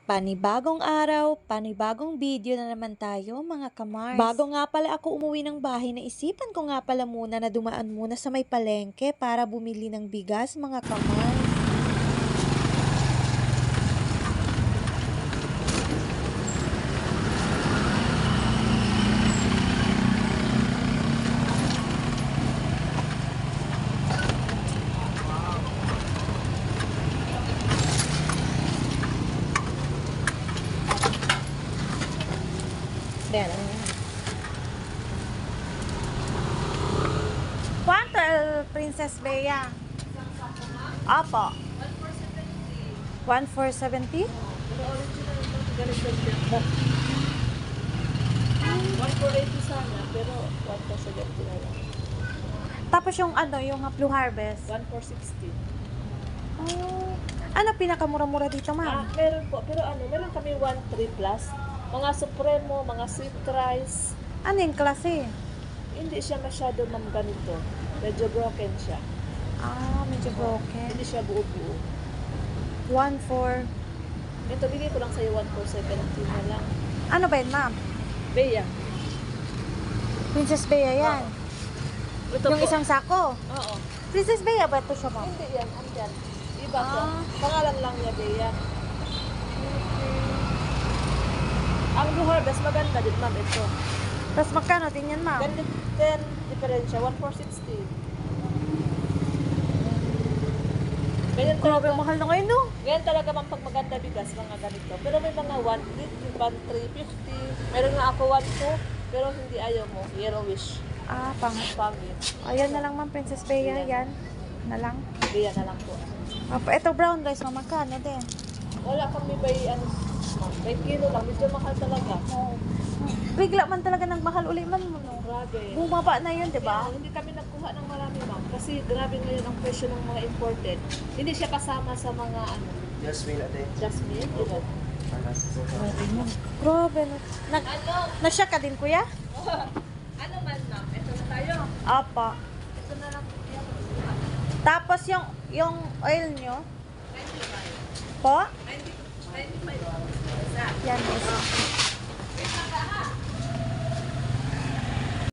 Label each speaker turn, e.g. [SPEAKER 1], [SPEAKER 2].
[SPEAKER 1] Panibagong araw, panibagong video na naman tayo mga kamars. Bago nga pala ako umuwi ng bahay, naisipan ko nga pala muna na dumaan muna sa may palengke para bumili ng bigas mga kamars. Yan. Quanto Princess Bea? Apo. 1,470?
[SPEAKER 2] 1,480 sana, pero 1,470 na lang.
[SPEAKER 1] Tapos yung yung Blue Harvest.
[SPEAKER 2] 1,460.
[SPEAKER 1] Oh. Ano pinakamura-mura dito, ma'am?
[SPEAKER 2] Meron po. Pero meron kami 1,3 plus. Mga Supremo, mga Sweet Rice.
[SPEAKER 1] Ano yung klase?
[SPEAKER 2] Hindi siya masyado ganito. Medyo broken siya.
[SPEAKER 1] Medyo broken.
[SPEAKER 2] Hindi siya buo-buo.
[SPEAKER 1] 1,4.
[SPEAKER 2] Ito, bigay ko lang sa'yo 1,470 na lang.
[SPEAKER 1] Ano ba yun, ma'am?
[SPEAKER 2] Bea.
[SPEAKER 1] Princess Bea yan.
[SPEAKER 2] Ito
[SPEAKER 1] Yung
[SPEAKER 2] po.
[SPEAKER 1] isang sako.
[SPEAKER 2] Oo.
[SPEAKER 1] Princess Bea ba ito siya, ma'am?
[SPEAKER 2] Hindi yan. Andyan. Iba to.
[SPEAKER 1] Ah.
[SPEAKER 2] Pangalan lang niya, Bea. Ang Blue Harvest, maganda din, ma'am, ito.
[SPEAKER 1] Tapos magkano din yan, ma'am?
[SPEAKER 2] Ganito din, diferensya, 1,460. Ganyan
[SPEAKER 1] Grabe,
[SPEAKER 2] talaga,
[SPEAKER 1] mahal na ngayon, no?
[SPEAKER 2] ganyan talaga ma'am pag maganda bigas, mga ganito. Pero may mga 1,350. Meron nga ako 1,2, pero hindi ayaw mo. Yellowish. Pangit.
[SPEAKER 1] Ayan na lang, ma'am, Princess Bea. Yan. Na lang.
[SPEAKER 2] Bea na lang po.
[SPEAKER 1] Ito brown rice, ma'am. Magkano din?
[SPEAKER 2] Wala kami by kilo lang. Medyo mahal talaga.
[SPEAKER 1] Bigla man talaga nagmahal uli man mo, no?
[SPEAKER 2] Grabe.
[SPEAKER 1] Bumaba na yun, di ba?
[SPEAKER 2] Hindi kami nagkuha ng marami, ma'am. Kasi grabe ngayon ang presyo ng mga imported. Hindi siya kasama sa mga
[SPEAKER 3] Jasmine ate.
[SPEAKER 2] jasmine. Diba?
[SPEAKER 1] Grabe, no? Nasya ka din, kuya?
[SPEAKER 2] Ano man, ma'am? Ito na tayo.
[SPEAKER 1] Apa.
[SPEAKER 2] Ito na lang.
[SPEAKER 1] Tapos yung oil nyo?
[SPEAKER 2] 95.
[SPEAKER 1] Po?
[SPEAKER 2] 95.
[SPEAKER 1] Yan, guys.